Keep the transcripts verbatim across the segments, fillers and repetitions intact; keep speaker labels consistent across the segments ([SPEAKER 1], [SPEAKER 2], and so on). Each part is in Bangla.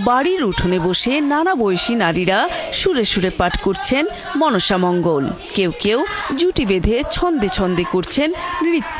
[SPEAKER 1] বাড়ির উঠোনে বসে নানা বয়সী নারীরা সুরে সুরে পাঠ করছেন মনসা মঙ্গল। কেউ কেউ জুটি বেঁধে ছন্দে ছন্দে করছেন নৃত্য।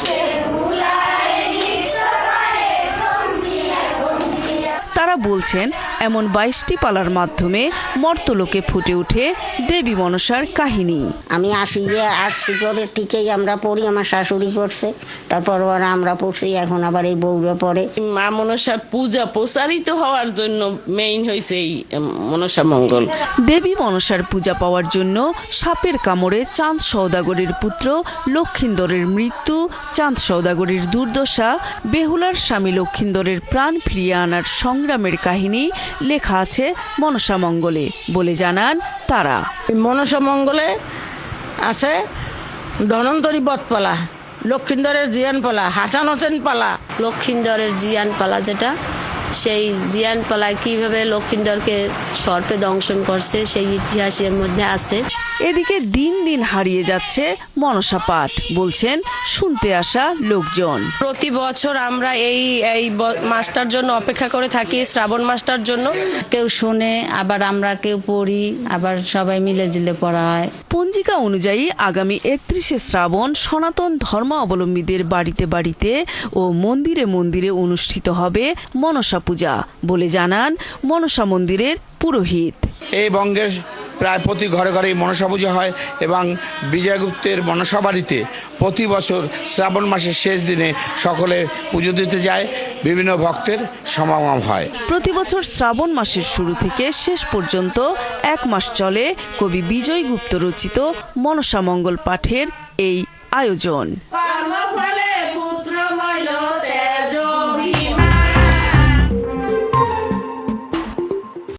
[SPEAKER 1] তারা বলছেন এমন বাইশটি পালার মাধ্যমে মর্তলোকে ফুটে ওঠে দেবী মনসার কাহিনী।
[SPEAKER 2] আমি আসি যে আসছি পরে ঠিকই আমরা পড়ি, আমার শাশুড়ি পড়ছে, তারপর ওরা আমরা পড়ছি, এখন আবার এই বউরা পড়ে।
[SPEAKER 3] মা মনসার পূজা প্রসারিত হওয়ার জন্য মেইন হয়েছে এই মনসা মঙ্গল।
[SPEAKER 1] দেবী মনসার পূজা পাওয়ার জন্য সাপের কামড়ে চাঁদ সওদাগরের পুত্র লক্ষিন্দরের মৃত্যু, চাঁদ সওদাগরের দুর্দশা, বেহুলার স্বামী লক্ষিন্দরের প্রাণ ফিরিয়ে আনার সংগ্রামের কাহিনী লেখা আছে মনসা মঙ্গলে বলে জানান তারা।
[SPEAKER 3] মনসা মঙ্গলে আছে ধনন্তরী বধপালা, লক্ষিন্দরের জিয়ান পালা, হাসান হোসেন পালা।
[SPEAKER 4] লক্ষিন্দরের জিয়ান পালা যেটা, সেই জিয়ান পালায় কিভাবে লক্ষিন্দরকে সর্পে দংশন করছে সেই ইতিহাসের মধ্যে আছে।
[SPEAKER 1] এদিকে দিন দিন হারিয়ে যাচ্ছে মনসা পাঠ, বলছেন শুনতে আসা লোকজন।
[SPEAKER 5] প্রতি বছর আমরা এই এই মাসটার জন্য অপেক্ষা করে থাকি, শ্রাবণ মাসটার জন্য।
[SPEAKER 4] কেউ শুনে, আবার আমরা কেউ পড়ি, আবার সবাই মিলে জিলে পড়া হয়।
[SPEAKER 1] পঞ্জিকা অনুযায়ী আগামী একত্রিশে শ্রাবণ সনাতন ধর্মাবলম্বীদের বাড়িতে বাড়িতে ও মন্দিরে মন্দিরে অনুষ্ঠিত হবে মনসা পূজা বলে জানান মনসা মন্দিরের পুরোহিত।
[SPEAKER 6] এই বঙ্গে প্রায় প্রতি ঘরে ঘরেই মনসা পূজা হয় এবং বিজয়গুপ্তের মনসা বাড়িতে প্রতি বছর শ্রাবণ মাসের শেষ দিনে সকলে পুজো দিতে যায়, বিভিন্ন ভক্তের সমাগম হয়।
[SPEAKER 1] প্রতি বছর শ্রাবণ মাসের শুরু থেকে শেষ পর্যন্ত এক মাস চলে কবি বিজয় গুপ্ত রচিত মনসা মঙ্গল পাঠের এই আয়োজন।